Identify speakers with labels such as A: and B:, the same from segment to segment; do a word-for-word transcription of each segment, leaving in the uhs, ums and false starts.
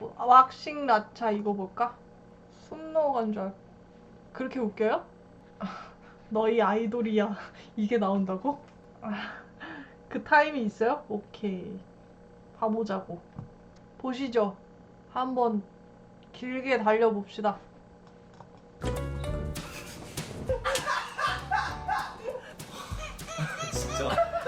A: 뭐, 아, 왁싱 라차 이거 볼까? 숨 넘어간 줄 알. 그렇게 웃겨요? 너희 아이돌이야. 이게 나온다고? 아, 그 타임이 있어요? 오케이. 봐보자고. 보시죠. 한번 길게 달려봅시다.
B: 진짜.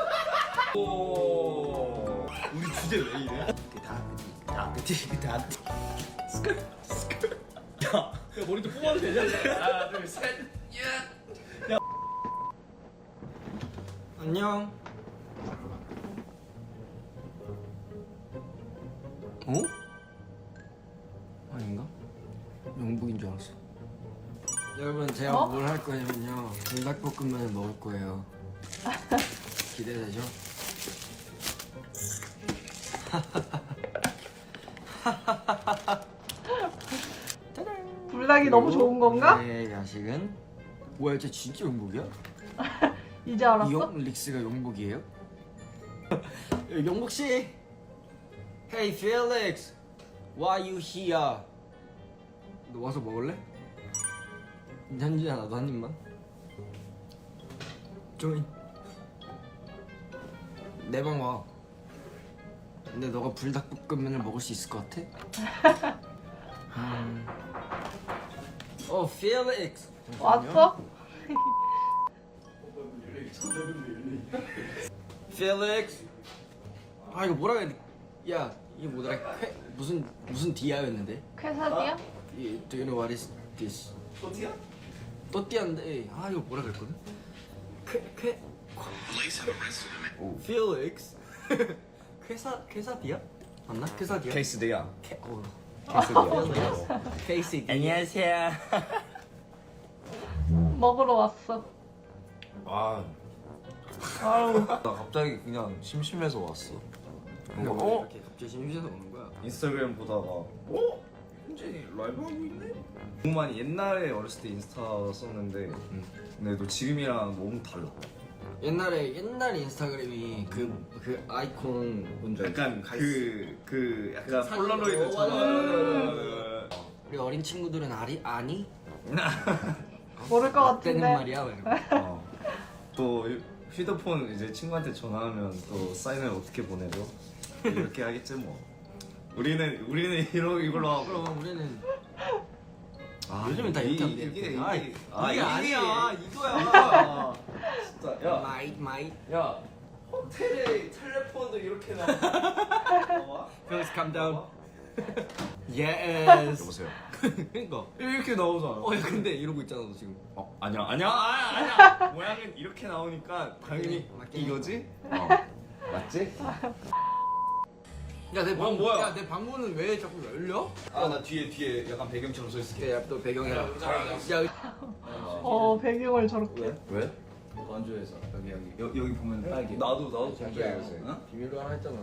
B: 오. 우리 주제 왜 이래?
C: 다크티 다크티
B: 스컬 스컬. 야, 야 머리 좀 뽑아도 되냐? 하나, 둘, 셋. 야.
C: 안녕. 어? 아닌가? 영국인 줄 알았어. 여러분 제가
A: 어?
C: 뭘 할 거냐면요 불닭볶음면을 먹을 거예요. 기대되죠?
A: 불닭이 너무 좋은 건가?
C: 네 야식은 뭐야 쟤 진짜 영국이야?
A: 이제 알았어?
C: 이영 릭스가 영국이에요? 영국 씨. Hey Felix, why you here? 너 와서 먹을래? 현진아 나도 한 입만. 조인. 내 방 와. 근데 너가 불닭볶음면을 먹을 수 있을 것 같아? 음. 어, Felix.
A: 왔어?
C: Felix. 아 이거 뭐라 해야 돼? 야 이게 뭐더라? 쾌, 무슨 무슨 디아였는데?
A: 쾌사디야?
C: 이, Do you know what is this?
B: 또티야?
C: 또띠아인데 아 이거 뭐라 그랬거든? 쾌쾌 Felix. 쾌사 쾌사디아? 맞나? 쾌사디아?
B: 케이스디야.
C: 캐, 어.
B: 케이스디야.
C: 케이스 안녕하세요.
A: 먹으러 왔어.
B: 아,
A: 아우.
B: 나 갑자기 그냥 심심해서 왔어.
C: 어? 이렇게 갑자기 심심해서 오는 거야?
B: 인스타그램 보다가 어? 현진이 라이브 하고 있네? 너무 많이 옛날에 어렸을 때 인스타 썼는데 근데 너 지금이랑 너무 달라.
C: 옛날에 옛날 인스타그램이 그 그 아이콘 뭔지 알지?
B: 약간 그 그 약간
C: 사진-
B: 폴라로이드처럼.
C: 우리 어린 친구들은 아리 아니?
A: 모를 것
C: 때는
A: 같은데.
C: 말이야. 막 이러고.
B: 어. 또 휴대폰 이제 친구한테 전화하면 또 사인을 어떻게 보내줘? 이렇게 하겠지 뭐. 우리는 우리는 이러 이걸로 하고.
C: 그럼 우리는
B: 아,
C: 요즘엔 다
B: 이-
C: 이렇게 하면
B: 이게
C: 돼.
B: 이게
C: 아이,
B: 아
C: 이게
B: 아니야
C: 아니지.
B: 이거야. 진짜 야.
C: 마이 마이.
B: 야 호텔에 텔레폰도 이렇게 나와?
C: Felix, calm down. Yes.
B: 여보세요.
C: 그러니까.
B: 이렇게 나오잖아.
C: 어, 야, 근데 이러고 있잖아 너 지금.
B: 어 아니야 아니야 아니야 아니야. 모양은 이렇게 나오니까 당연히
C: 맞긴 해.
B: 이거지? 어 맞지?
C: 야, 내
B: 어,
C: 방,
B: 뭐야?
C: 야, 내 방문은 왜 자꾸 열려?
B: 아 나 뒤에 뒤에 약간 배경처럼 서 있을게.
C: 야, 또 배경이라. 야,
A: 어, 배경을 저렇게.
B: 왜?
D: 건조해서 여기 여기 여, 여기 보면 빨개.
B: 나도 나도
C: 자기야.
B: 건조해 요새.
D: 어?
C: 비밀로 하나 했잖아.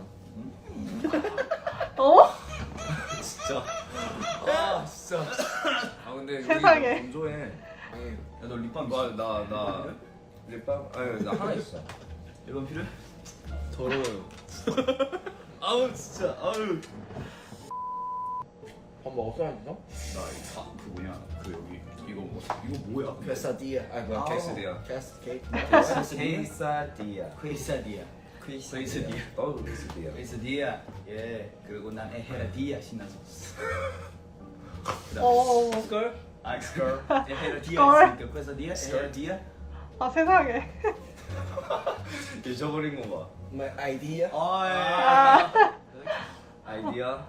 A: 어?
B: 진짜. 아 진짜. 아 근데 우리
A: 세상에.
B: 건조해.
D: 야너 립밤 있어?
B: 나나나 립밤? 아니 나 하나 있어.
D: 립밤 필요해?
B: 더러워요. 아우 진짜 아우.
C: 밥 먹었어 안 너?
D: 나아그 뭐냐 그 여기 이거 뭐 이거 뭐야?
C: 퀘사디아. 아, 뭐야?
D: 아,
B: 케이스디아.
C: 캐스 케이크.
B: 케이사디아.
D: 퀘사디아. 퀘사디아.
B: 어 케이스디아.
D: 퀘사디아. 예. 그리고 난 에헤라디아 신나서.
A: 어.
D: 스컬? 아 스컬. 에헤라디아
A: 스컬?
D: 있으니까 퀘사디아. 에헤라디아.
A: 아, 세상에.
B: 잊어버린 거 봐.
C: My idea.
D: 아 예.
A: 아.
B: 아이디어.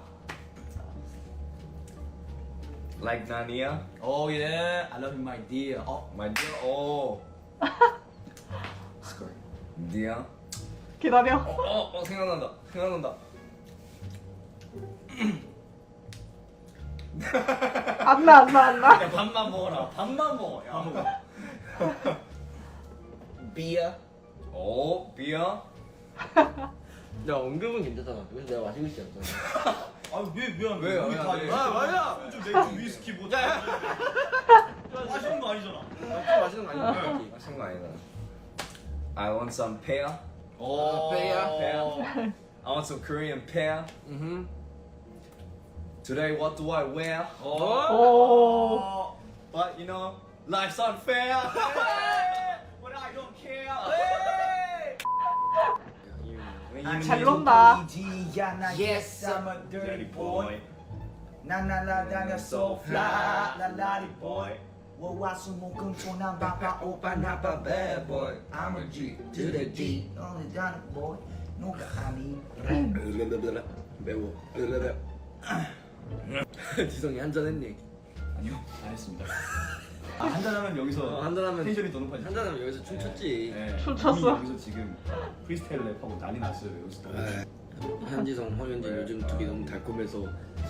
B: Like 나니야.
D: 오 예. I love you my dear. 어.
B: My dear. 오.
D: 스컬.
B: 디야.
A: 기다려.
B: 어, 어 생각난다. 생각난다.
A: 안 나, 안 나, 안 나.
D: 야 밥만 먹어라. 밥만 먹어. 야.
C: 비야.
B: 오, 비야.
C: 야, 언급은 괜찮잖아. 그래서 내가 마시고 있지 않잖아.
D: 아왜 미안
B: 왜,
D: 우리
B: 왜,
D: 다
B: 왜?
D: 아,
C: 맞아.
D: 소주 맥주 위스키 뭐 야, 마시는 거 아니잖아.
C: 마시는 거 아니야?
B: 마신 거 아니다. I want some pear.
D: 오
C: 페야.
B: pear. I want some Korean pear.
C: 음.
B: Today what do I wear?
A: 오.
B: But you know, life's unfair. But I don't care.
A: 아, 잘 논다.
E: Yes, I'm a dirty boy. 나나나나 so fly, 라라리 boy. 월화수목금토난 바빠 오빠 나빠 bad boy. I'm a G to the D. 너는 다른 boy. 누가 아니?
C: 매워. 지성이 한잔 했니?
D: 아니요, 안 했습니다. 아, 한잔하면 여기서
C: 어, 한잔하면
D: 텐션이 더 높아지죠.
C: 한잔하면 여기서 춤췄지.
D: 네,
A: 춤췄어.
D: 이미 여기서 지금 프리스타일 랩하고 난리 났어요. 여기서 또.
C: 현지성, 허현진 요즘 둘이 너무 달콤해서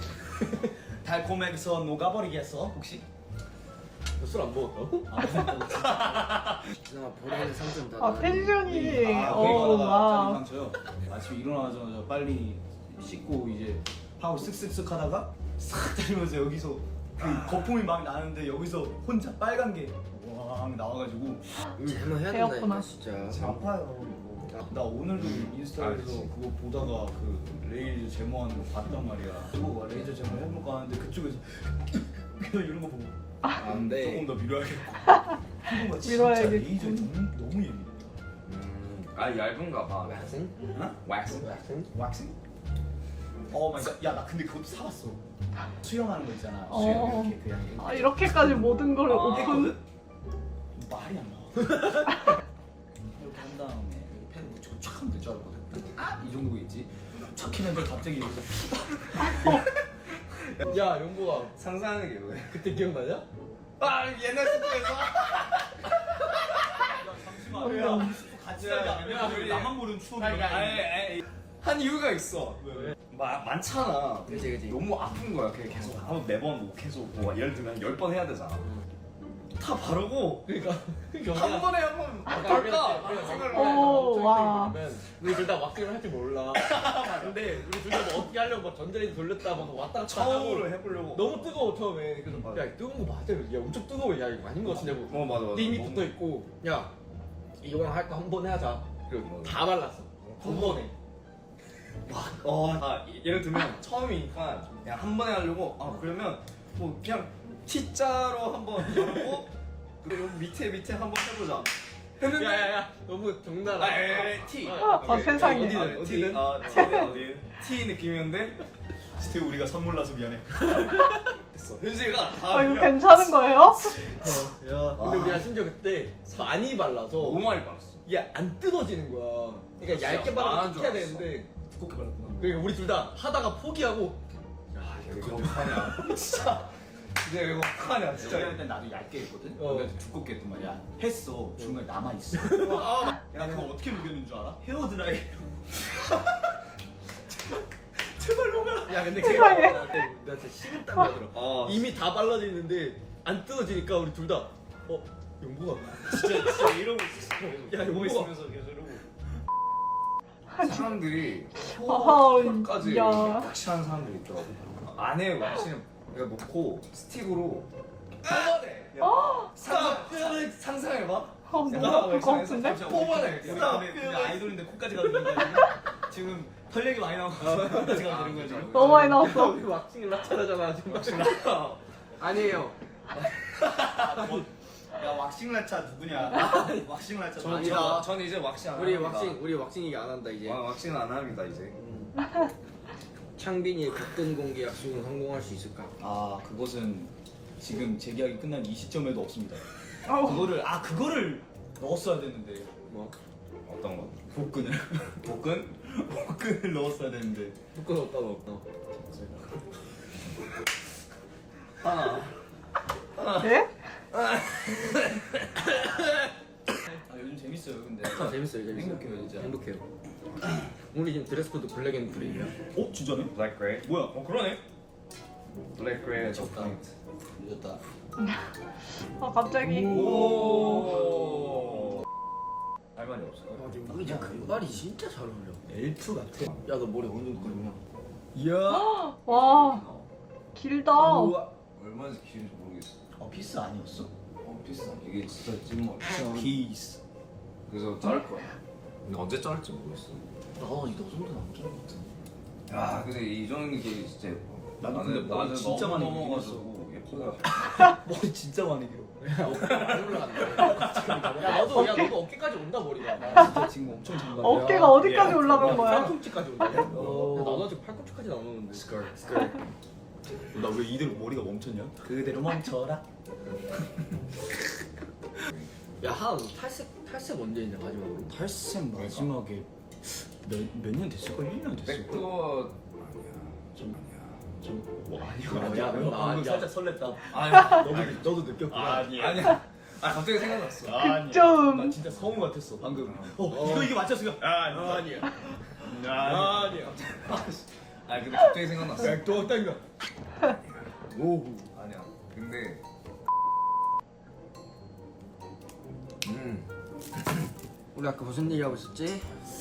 D: 달콤해서 녹아버리겠어 혹시?
C: 술 안 먹었다고?
D: 아,
C: 지성아 보라는 상점 다.
A: 아, 텐션이.
D: 아,
A: 오,
D: 와.
A: 와.
D: 상처요. 아침에 일어나자마자 빨리 씻고 이제 하고 쓱쓱쓱 하다가 싹 때리면서 여기서 그 거품이 막 나는데 여기서 혼자 빨간 게와 나와가지고
C: 제모 해야
A: 배웠구나.
C: 된다니까 진짜.
D: 아파요. 나 오늘도 인스타에서
B: 알지.
D: 그거 보다가 그 레이저 제모하는 거 봤단 말이야. 그거 레이저 제모 해볼까 하는데 그쪽에서 그냥 이런 거 보고
C: 안 돼.
D: 조금 더 밀어야겠고. 피부가 진짜
A: 밀어야겠군.
D: 레이저 너무 너무 예민해.
C: 음.
B: 아 얇은가 봐.
C: 왁싱?
D: 어?
C: 왁싱? 왁싱?
D: 왁싱? 어 마이 갓. 야나 근데 그것도 사봤어. 수영하는 거 있잖아.
A: 어.
D: 수영 이렇게 그냥
A: 아, 이렇게까지 모든 걸
D: 아,
A: 오픈.
D: 말이 안 나와. 이렇게 한 다음에 여기 펜 묻히고 촥 하면 될 줄 알았거든. 아, 이 정도겠지. 촥 했는데 갑자기 여기서
C: 야 용보가
B: 상상하는 게 왜?
C: 그때 기억나냐?
B: 아 옛날 스포에서.
D: 잠시만. 야, 우리 스포 같이 살자.
B: 야,
D: 왜
B: 우리-
D: 나만 모르는 추억이
B: 아니, 아니, 한 이유가 있어.
D: 왜?
B: 마, 많잖아.
C: 그치, 그치.
B: 너무 아픈 거야. 그게 계속 아, 매번 뭐 계속 뭐 예를 들면 열 번 해야 되잖아. 다 바르고
C: 그러니까
B: 한 번에 한번 할까 생각을 해.
A: 오, 와.
C: 우리 둘 다 왁싱을 할 줄 몰라. 근데 우리 둘 다 뭐 어떻게 하려고 막 전자레인지 돌렸다 막 왔다 갔다
B: 처음으로
C: 하고
B: 해보려고.
C: 너무 뜨거워 처음에. 그래서
B: 맞아.
C: 야 뜨거운 거 맞아? 야 엄청 뜨거워. 야 이거 아닌 거 같은데 뭐.
B: 어 맞아 맞아.
C: 이미
B: 너무-
C: 붙어 있고 야 이거랑 할 거 한 번에 하자. 그리고 다 발랐어. 한 번에.
B: 어, 아 예를 들면 처음이니까 그냥 한 번에 하려고 아 그러면 뭐 그냥 T자로 한번 열고 그리고 밑에 밑에 한번 해보자. 했는데
C: 야야야 너무 정날.
B: 아, 에, 에, T.
A: 아, 세상에.
B: 어디든 어디든. 아, T는 어디? T 느낌이었는데
D: 스테 우리가 선물 나서 미안해.
B: 됐어. 현지가 다
A: 아, 이거
B: 그냥
A: 괜찮은 거예요?
C: 야 근데 우리가 심지어 그때 많이 발라서
B: 너무 많이 봤어.
C: 이게 안 뜯어지는 거야. 그러니까 얇게
B: 안
C: 발라서
B: 한 줄
C: 해야
B: 알았어.
C: 되는데
D: 두껍게 발랐구나.
C: 그러니까 우리 둘 다 하다가 포기하고
B: 야 이거 어떡하냐. 진짜. 진짜 이거 어떡하냐
D: 진짜
B: 진짜.
D: 할때 나도 얇게 했거든.
C: 어.
D: 근데 두껍게 했단 말이야. 했어. 중간에 남아 있어.
B: 아,
D: 야 그거 어떻게 녹였는 줄 알아? 헤어 드라이.
C: 야 근데
A: 세상에.
C: 그게 나 진짜 식은땀 나더라.
B: 어.
C: 이미 다 발라져 있는데 안 뜯어지니까 우리 둘 다 어? 용보가
B: 진짜 진짜 이러고 있었어.
C: 야,
B: 이러고
C: 이거
B: 있으면서 계속 이러고. 사람들이
A: 아하,
B: 혀까지
A: 야.
B: 왁싱하는 사람들이 있더라고. 안에 왁싱 내가 놓고 스틱으로 뽑아내. 상상 상상해봐.
A: 아, 너무 아플 것 같은데?
B: 뽑아내.
D: 우리 근데, 근데 아이돌인데 코까지 가는 거야 지금. 지금 털 얘기 많이 나오고 코까지 가는 거야 지금.
A: 너무 많이 나왔어.
C: 우리 왁싱을 라차라잖아 지금. 아니에요.
D: 야 왁싱 라차 누구냐? 왁싱 라차
B: 전
D: 누구냐?
B: 저, 전 이제 왁싱 안
C: 우리
B: 합니다.
C: 왁싱 우리 왁싱 얘기 안 한다 이제.
B: 와, 왁싱은 안 합니다 이제.
C: 음. 창빈이의 각근 공개 약속은 성공할 수 있을까?
D: 아 그것은 지금 재계약이 끝난 이 시점에도 없습니다.
A: 아우.
D: 그거를 아 그거를 넣었어야 됐는데
C: 뭐
B: 어떤 거?
D: 복근을
B: 복근?
D: 복근을 넣었어야 됐는데
C: 묶어 넣었다 넣었다.
B: 하나.
A: 네?
D: 아 요즘 재밌어요 근데
C: 아, 재밌어요 재밌어요.
D: 행복해요 진짜.
C: 행복해요. 우리 지금 드레스 코드 블랙 앤 그레이야.
D: 어 진짜네?
B: 블랙 그레이.
D: 뭐야?
B: 어 그러네. 블랙 그레이
D: 미쳤다.
B: 포인트.
D: 늦었다.
A: 아, 갑자기.
B: 오. 할 말이 없어.
C: 아 지금 우리 진짜 금발이 진짜 잘 어울려.
D: 엘프 같아.
C: 야 너 머리 어느 정도 끄냐?
D: 이야.
A: 와, 길다.
D: 우와.
B: 얼마나 길은지 모르겠어.
D: 어 피스 아니었어?
B: 어 비싸. 이게 진짜 찐머리.
D: 피스.
B: 그래서 자를 거야. 근데 언제 자를지 모르겠어.
D: 나너 정도는 안 자른 것 같은데.
B: 야 근데 이 정도 게 진짜
D: 나는 근데
B: 나는
D: 머리
B: 나는
D: 진짜
B: 너무
D: 많이
B: 넘어가지고 예뻐.
D: 머리 진짜 많이 길어.
C: 안 올라간다. 야 너도 야 너도 어깨까지 온다 머리가.
D: 진짜 지금 엄청 장난.
A: 어깨가 어디까지 올라간 거야?
C: 팔꿈치까지 온다. 야, 나도 아직 팔꿈치까지 나오는데.
B: 스컬.
D: 나왜 이대로 머리가 멈췄냐? 그대로 멈춰라.
C: 야한 탈색 탈색 언제 했냐 마지막으로?
D: 탈색 마지막에 몇몇 년 됐을걸? 일 년 됐을걸?
B: 백도
D: 좀뭐 아니야.
C: 야,
D: 야,
C: 너
D: 너
C: 아니야.
D: 방금 살짝 설렜다.
B: 아니야.
D: 너도 너도 느꼈구나. 아니야.
B: 아니야. 아 갑자기 생각났어.
D: 아니야.
A: 좀.
D: 나 진짜 성우 같았어 방금. 어, 이거 이게 맞췄어. 아니야.
C: 아니야.
D: 아니야.
B: 아 근데 갑자기 생각났어.
D: 백도 땡겨. 오.
B: 아니야. 근데 음.
C: 우리 아까 무슨 얘기하고 있었지?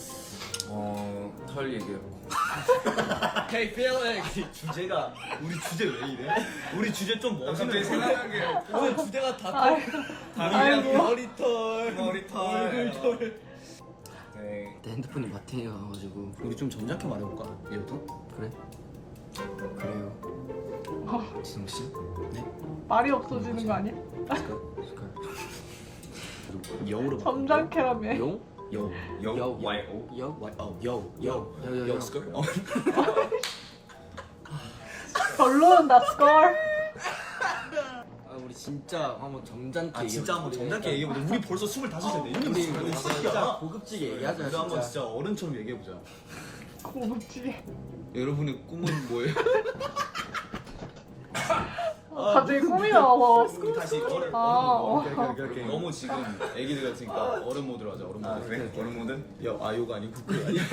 B: 어털 얘기했고.
C: Hey Felix.
D: 주제가 우리 주제 왜 이래? 우리 주제 좀
B: 갑자기
D: 멋있는
B: 생각난 게
C: 오늘 주제가 다
A: 아이고.
B: 다리랑
C: 머리털.
B: 머리털.
C: 얼굴털.
B: 네.
C: 내 핸드폰이 마팅이 가가지고.
D: 우리 좀 점잖게 말해볼까? 얘부터?
C: 그래? 그래요.
D: 진영 씨? 네.
A: 말이 없어지는 거 아니야?
C: 스컬. 스컬.
D: 여우로
A: 점잖게라며.
C: 용?
D: 여우.
B: 여
C: 여,
B: Y O.
C: 여?
D: 와, 어, 여우.
C: 여. 여. 여.
D: 여우 스컬? 어.
A: 별로다 스컬.
C: 아 우리 진짜 한번 점잖게.
D: 아 진짜 한번 점잖게 얘기해보자. 우리 벌써 스물다섯인데 이미
C: 우리
D: 무슨
C: 우리 진짜 고급지게 얘기하자.
D: 우리 한번
C: 진짜.
D: 진짜 어른처럼 얘기해보자.
A: 고급지게.
D: 여러분의 꿈은 뭐예요?
A: 어, 갑자기 꿈이 나와.
D: 우리 다시 어른
A: 아,
D: 어,
A: 어.
D: 오케이, 오케이, 오케이. 너무 지금 애기들 같으니까 어른 모드로 하자. 어른 모드.
B: 아 그래? 어른 모드?
D: 여, 아 요가 아니고 그 아니야.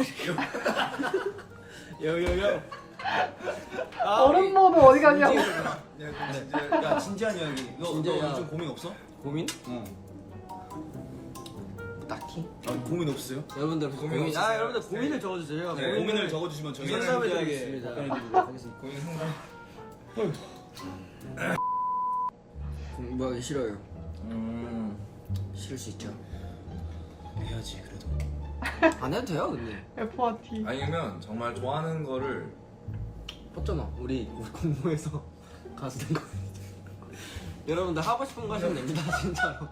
C: 여여여.
A: 어른 모드 어디 가냐고.
D: 야 진지한 이야기. 너, 너
C: 진지해야.
D: 요즘 고민 없어?
C: 고민?
D: 응.
C: 딱히.
D: 아 고민 없어요?
C: 여러분들
B: 고민
C: 고민.
B: 없으세요?
C: 아 여러분들 고민을 적어주세요.
B: 네,
D: 고민을 적어주시면 저희가
C: 상담해
D: 진지하게
C: 드리겠습니다.
D: 답변해드리도록 하겠습니다.
B: 고민 상담.
C: 공부하기 싫어요.
B: 음.
C: 싫을 수 있죠.
D: 해야지 그래도.
C: 안 해도 돼요 근데.
A: F와 T.
B: 아니면 정말 좋아하는 거를
C: 뻗잖아. 우리 우리 공모해서 가수 된 거. 여러분들 하고 싶은 거 하시면 됩니다 진짜로.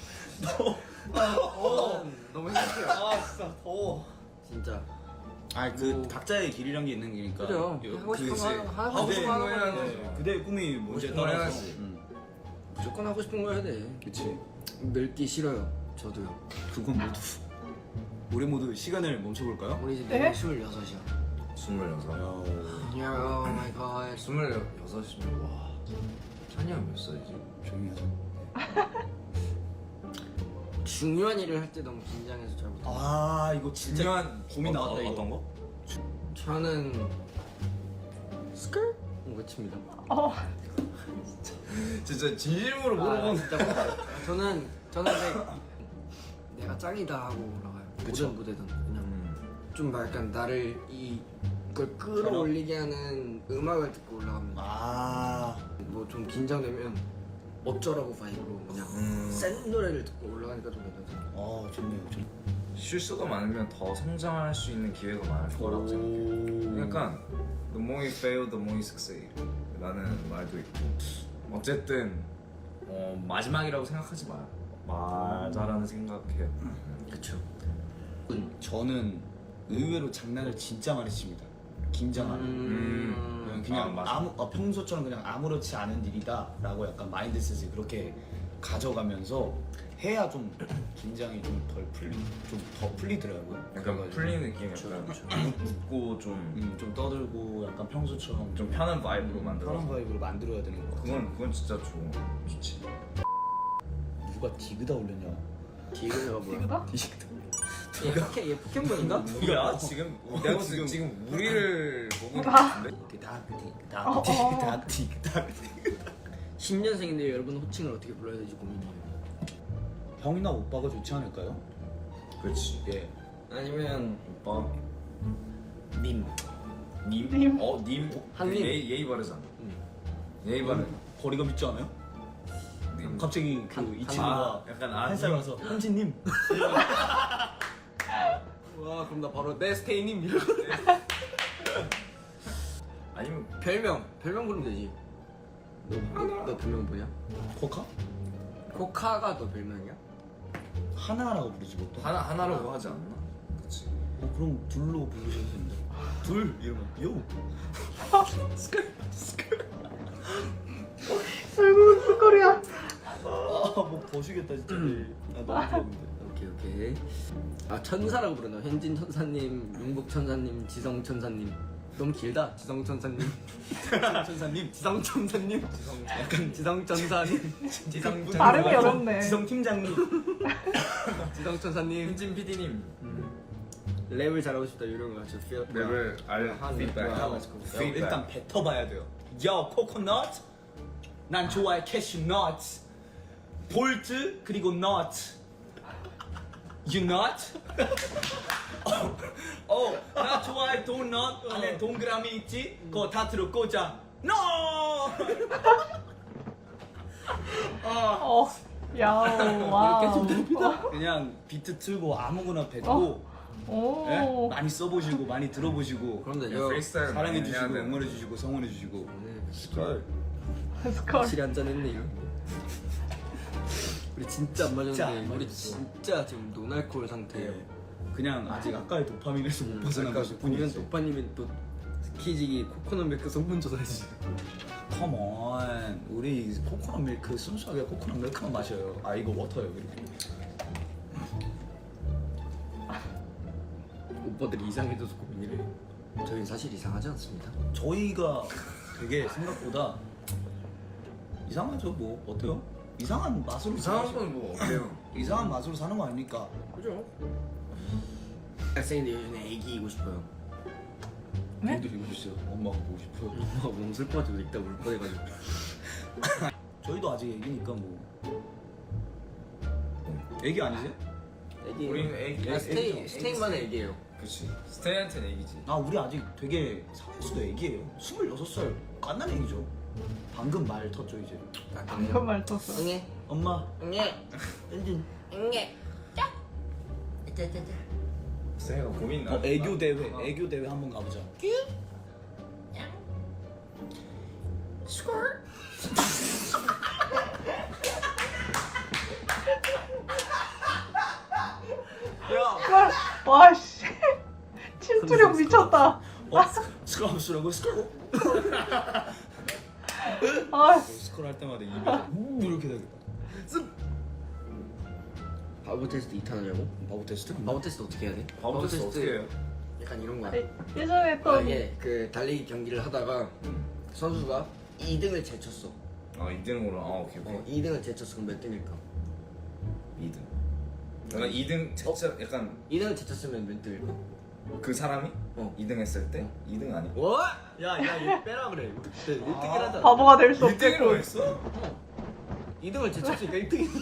C: 어, 너무 행복해요.
B: 아 진짜 더워.
C: 진짜.
D: 아니 그
C: 뭐-
D: 각자의 길이란 게 있는 거니까.
C: 그죠.
D: 요-
C: 하고 싶은
D: 그지.
C: 거 하는- 하고
D: 하고
C: 싶은 거 하는
B: 해야지.
C: 거야.
D: 네, 그대의 꿈이 뭔지에
B: 싶은 걸
D: 따라서.
B: 해야지.
D: 응.
C: 무조건 하고 싶은 거 해야 돼.
D: 그치.
C: 늙기 싫어요. 저도요.
D: 그건 모두. 우리 모두 시간을 멈춰볼까요?
C: 우리 이제
A: 네?
C: 내년 스물여섯이야.
B: 스물여섯.
C: 야, 오 마이 갓.
B: 스물여섯이면 와. 찬이 형 몇 살이지?
D: 조용히 하자.
C: 중요한 일을 할 때 너무 긴장해서 잘 못해.
D: 아 이거 진짜
B: 중요한
D: 고민 나왔다
B: 어,
D: 이거.
B: 어떤 거?
C: 저는 스컬 외칩니다.
A: 어.
B: 진짜 진심으로
C: 아,
B: 물어보는.
C: 진짜 저는 저는 근데 내가 짱이다 하고 올라가요.
D: 그쵸.
C: 모든 무대든 그냥
B: 음.
C: 좀 막 약간 나를 이걸 끌어올리게 하는 음악을 듣고 올라가면
D: 아
C: 뭐 좀 긴장되면 어쩌라고 바이브로 그냥
B: 음.
C: 센 노래를 듣고 올라가니까 좀 괜찮아요.
D: 어, 좋네요. 좋네.
B: 실수가 많으면 더 성장할 수 있는 기회가 많을 거라고 생각해. 그러니까 the more you fail, the more you succeed. 라는 말도 있고. 어쨌든 어, 마지막이라고 생각하지 마. 맞아라는 생각해요.
C: 그렇죠.
D: 저는 의외로 장난을 진짜 많이 칩니다. 긴장 안 하고.
C: 음.
D: 그냥
B: 아, 맞아.
D: 아무 어, 평소처럼 그냥 아무렇지 않은 일이다라고 약간 마인드셋을 그렇게 가져가면서 해야 좀 긴장이 좀 덜 풀리 좀 더 풀리더라고요.
B: 약간
D: 그래가지고
B: 풀리는 느낌, 약간 웃- 웃고 좀,
D: 음, 좀 떠들고 약간 평소처럼
B: 좀 편한 바이브로 만들어.
D: 편한 바이브로 만들어야 되는 것 같아요.
B: 그건 그건 진짜 좋은 좋지.
D: 누가 디그다 올렸냐?
C: 디그가 뭐야?
A: 이거다?
C: 얘 포켓 얘 포켓몬인가?
B: 뭐야 지금 내가 지금 지금 우리를 보고 있는 것 같은데?
D: 디그다
A: 어,
D: 디그다
A: 어.
D: 디그다 디그다.
C: 신년생인데 여러분 호칭을 어떻게 불러야 될지 고민이에요.
D: 형이나 오빠가 좋지 않을까요?
B: 그렇지.
D: 예.
C: 아니면
B: 오빠
D: 님.
B: 님?
A: 님.
B: 어 님?
C: 한님.
B: 예의 예의 바르잖아.
C: 음.
B: 예의 바르.
D: 거리가 믿지 않아요?
B: 님.
D: 갑자기 그
C: 한-
D: 이
C: 한-
D: 친구가
B: 아 약간 아
D: 한 살 와서 한지님.
C: 와 그럼 나 바로 네스테이님 이러고
B: 아니면
C: 별명 별명 부르면 되지. 너, 너, 너 별명 뭐냐?
D: 코카?
C: 코카가 너 별명이야?
D: 하나라고 부르지 보통.
B: 하나 하나로 하지 않나? 그렇지.
D: 어, 그럼 둘로 부르셔도 되는데. 둘 이러면 요.
A: 얼굴 쑥거리야.
D: 아뭐 버시겠다 진짜. 아 너무 부러운데.
C: 오케이 오케이. 아 천사라고 부르나? 현진 천사님, 용복 천사님, 지성 천사님. 너무 길다. 지성 천사님.
D: 천사님.
C: 지성 천사님. 약간 지성 천사님. 지성 천사님.
A: 발음이 어렵네.
D: 지성 팀장님.
C: 지성 천사님.
B: 현진 피디님.
C: 랩을 잘하고 싶다 이런 거 같죠.
B: 랩을 알 피드백.
D: 야, 일단 뱉어봐야 돼요. 야 코코넛. 난 좋아해 캐슈넛. 볼트 그리고 넛. You not? 어, 어, 나 좋아해 도넛 안에 동그라미 있지? 그거 다 들어 꽂아. No!
A: 어. 야오. 와우. 어.
D: 그냥 비트 틀고 아무거나 뱉고
A: 어. 오.
D: 예? 많이 써보시고 많이 들어보시고
C: 그럼 되죠.
B: 야, 프리스타일
D: 사랑해주시고
B: 많이 해야 돼.
D: 응원해주시고 성원해주시고.
C: 스컬.
A: 스컬.
C: 확실히 한잔 했네 이거. 우리 진짜 안
D: 진짜 안
C: 맞았는데 우리
D: 맞았어.
C: 진짜 지금 노날콜 상태예요.
D: 예. 그냥 아직 아까의 도파민에서 못 벗어난 것일
C: 보면
D: 뿐이지.
C: 오빠님이 또 스키지기 코코넛 밀크 성분 조사해주세요.
D: 컴온, 우리 코코넛 밀크 순수하게 코코넛 밀크만 마셔요. 아 이거 워터예요 이렇게.
C: 오빠들이 이상해져서 고민이래. 저희는 사실 이상하지 않습니다.
D: 저희가 되게 생각보다 이상하죠 뭐 어때요? 이상한 맛으로
B: 이상한
D: 사죠.
B: 건 뭐 없대요.
D: 이상한 맛으로 사는 거 아닙니까?
B: 그죠?
C: 학생인데 요즘에 애기이고 싶어요.
A: 네?
D: 저희도 이거 있어요. 엄마가 보고 싶어요.
C: 엄마가 너무 슬퍼가지고 읽다 울 뻔해가지고.
D: 저희도 아직 애기니까 뭐. 애기 아니세요?
C: 애기.
B: 우리는 애기-
C: 야,
B: 애기-
C: 스테이
B: 애기-
C: 스테이만 애기예요.
B: 그렇지. 스테이한테는 얘기지.
D: 아 우리 아직 되게 상수도 애기예요. 스물여섯 살 깐난 애기죠. 방금 말 텄죠 이제.
A: 방금 말 떴어.
C: 응애.
D: 엄마.
C: 응애.
D: 엔진.
C: 응애.
B: 스테이가 고민 나.
D: 어, 애교 대회, 애교 대회 한번 가보자.
A: 와, 와 씨. 침투력 미쳤다.
D: 어? 스크럼스라고 스크롤?
A: 아,
D: 스크롤 할 때마다 입에 우 이렇게 되겠다.
C: 바보 테스트 이 탄 하냐고?
D: 바보 테스트?
C: 바보 테스트 어떻게 해야 돼?
B: 바보 테스트 어떻게 해요?
C: 약간 이런 거야.
A: 아니, 예전에 했던
C: 만약에 그 달리기 경기를 하다가 선수가 이 등을 제쳤어.
B: 아 이 등으로. 아 오케이 오케이.
C: 어, 이 등을 제쳤어. 그럼 몇 등일까?
B: 이 등. 약간 이 등 진짜 약간
C: 이 등을 제쳤으면 몇 등일까?
B: 그 사람이
C: 어.
B: 이 등 했을 때 이 등 아니?
C: 뭐? 야, 야, 이거 빼라 그래. 일 등을 하자.
A: 바보가 될 수
B: 일 등으로
A: 없겠고.
B: 했어?
C: 이 등을 제쳤으니까 일 등이.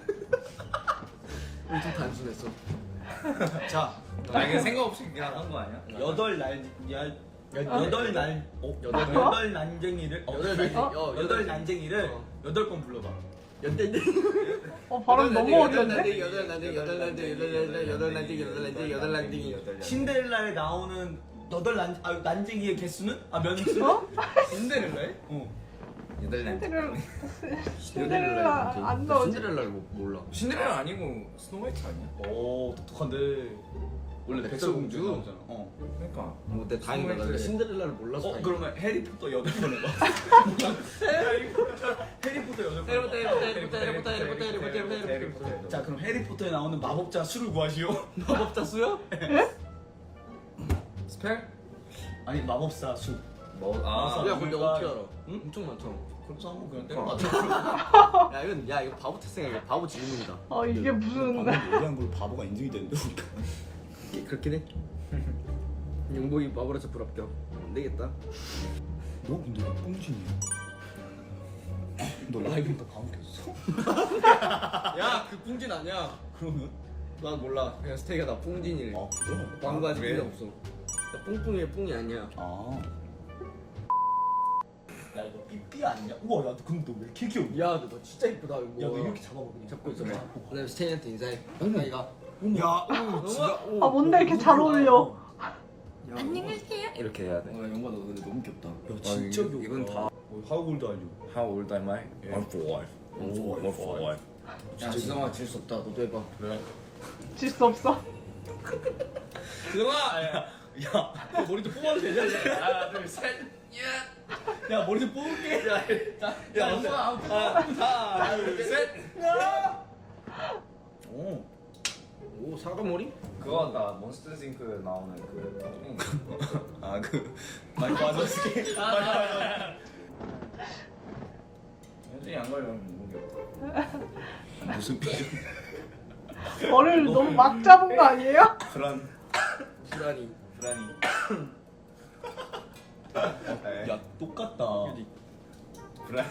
C: 엄청 단순했어.
D: 자,
B: 아 이게 생각 없이 그냥 한 거 아니야?
D: 여덟 날, 야, 여- 여덟 날, 어?
C: 여덟
D: 여덟,
C: 날?
D: 여덟 난쟁이를, 어,
C: 여덟 난쟁이, 어,
D: 여덟
C: 여덟
D: 난쟁이를
C: 어.
D: 여덟 번 불러봐.
C: 여덟 등.
A: 어, 발음 너무 어려운데?
C: 여덟 난쟁이, 여덟 난쟁이, 여덟 난쟁이, 여덟 난쟁이, 여덟 난쟁이, 여덟 난쟁이.
D: 신데렐라에 나오는 여덟 난, 아, 난쟁이의 개수는? 아, 몇 수?
A: 어?
B: 신데렐라에?
D: 어.
B: 여덟 날.
A: 신데렐라 신데렐라 안 나오지.
C: 신데렐라를 못 몰라.
B: 신데렐라 아니고 스노우화이트 아니야?
D: 오, 똑똑한데. 원래
C: 백설공주?
D: 백설공주 나오잖아. 어.
B: 그러니까.
C: 뭐, 내 다행이다. 나
B: 스노우화이트.
C: 신데렐라를 몰라서.
D: 어,
C: 다행이다.
D: 그러면 해리포터 여덟 번 해봐. 해리포터 여덟 번.
C: 해리포터,
D: 해봐.
C: 해리포터, 해리포터, 해리포터, 해리포터, 해리포터, 해리포터.
D: 자, 그럼 해리포터에 나오는 마법자 수를 구하시오.
C: 마법자 수요?
B: 스펠?
D: 아니, 마법사 수.
B: 뭐?
D: 아,
C: 야, 근데 어떻게 알아?
D: 응?
C: 엄청 많잖아.
D: 그래서 한번 그냥
B: 어.
D: 때려봐.
C: 야, 이건 야, 이거 바보 태생이야. 이거 바보 질문이다.
A: 어, 이게 무슨.
D: 방금 얘기한 걸로 바보가 인증이 되는데 우리가.
C: 이게 그렇긴 해. 용복이 바보라서 불합격. 안 되겠다.
D: 너 근데 왜 뽕진이야? 너 라이브니까 바보 켰어?
C: 야, 그 뿡진 아니야.
D: 그러면?
C: 난 몰라. 그냥 스테이가 나 뿡진이래.
D: 아 그래?
C: 광고하지
B: 왜?
C: 필요 없어. 나 뿡뿡이에 뿡이 아니야.
D: 아. 야 이거 삐삐 아니냐? 우와 야 근데 너 왜 이렇게 귀여워?
C: 야, 너 진짜 이쁘다 이거.
D: 야 너 이렇게 잡아봐 그냥.
C: 잡고 있어봐.
D: 잡고 봐.
C: 그다음에 스테이한테 인사해.
D: 어머.
C: 가이가.
D: 야, 오,
C: 진짜.
A: 아, 뭔데 이렇게 잘 어울려?
C: 안녕히 계세요. 이렇게 해야 돼.
D: 아 영화 너 근데 너무 귀엽다. 야
C: 아,
D: 진짜
C: 이건-
D: 귀엽다.
C: 이건 다-
D: 어, How old are you?
C: How old am I? I'm four.
D: I'm four.
C: I'm four.
D: 야 지성아 질 수 없다. 너도 해봐.
C: 그래?
A: 질 수 없어.
D: 지성아! 야, 야 머리 좀 뽑아도 되냐? 하나 둘 셋. 야 머리 좀 뽑을게. 야, 야, 야 하나 둘 셋. 오,
C: 오 사과머리?
B: 그거 나 몬스터 싱크에 나오는 그
D: 아그 마이크 와저스키. 현진이 안 걸리면 모르겠다. 무슨 표정?
A: 머리를 너무 막 잡은 거 아니에요?
D: 불안.
C: 불안이.
D: 불안이. 야 똑같다. 불안.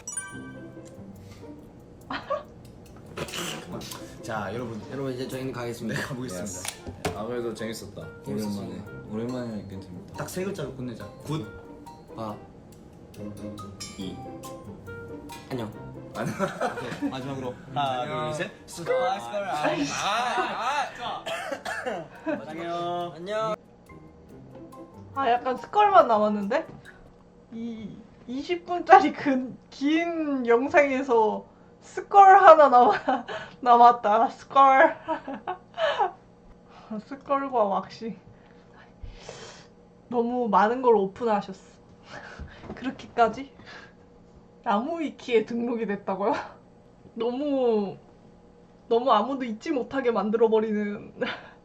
D: 자 여러분
C: 여러분 이제 저희는 가겠습니다.
D: 가보겠습니다.
B: 아무래도 재밌었다.
C: 오랜만에.
B: 오랜만에 괜찮다.
D: 딱 세 글자로 끝내자. 굿.
C: 봐.
B: 이.
C: 안녕.
D: 마지막으로 하나 둘 셋. 스컬 스컬. 아, 좋아. 안녕.
C: 안녕.
A: 아 약간 스컬만 남았는데? 이 이십 분짜리 그 긴 영상에서 스컬 하나 남아, 남았다. 스컬. 스컬과 왁싱. 너무 많은 걸 오픈하셨어. 그렇게까지? 나무위키에 등록이 됐다고요? 너무 너무 아무도 잊지 못하게 만들어버리는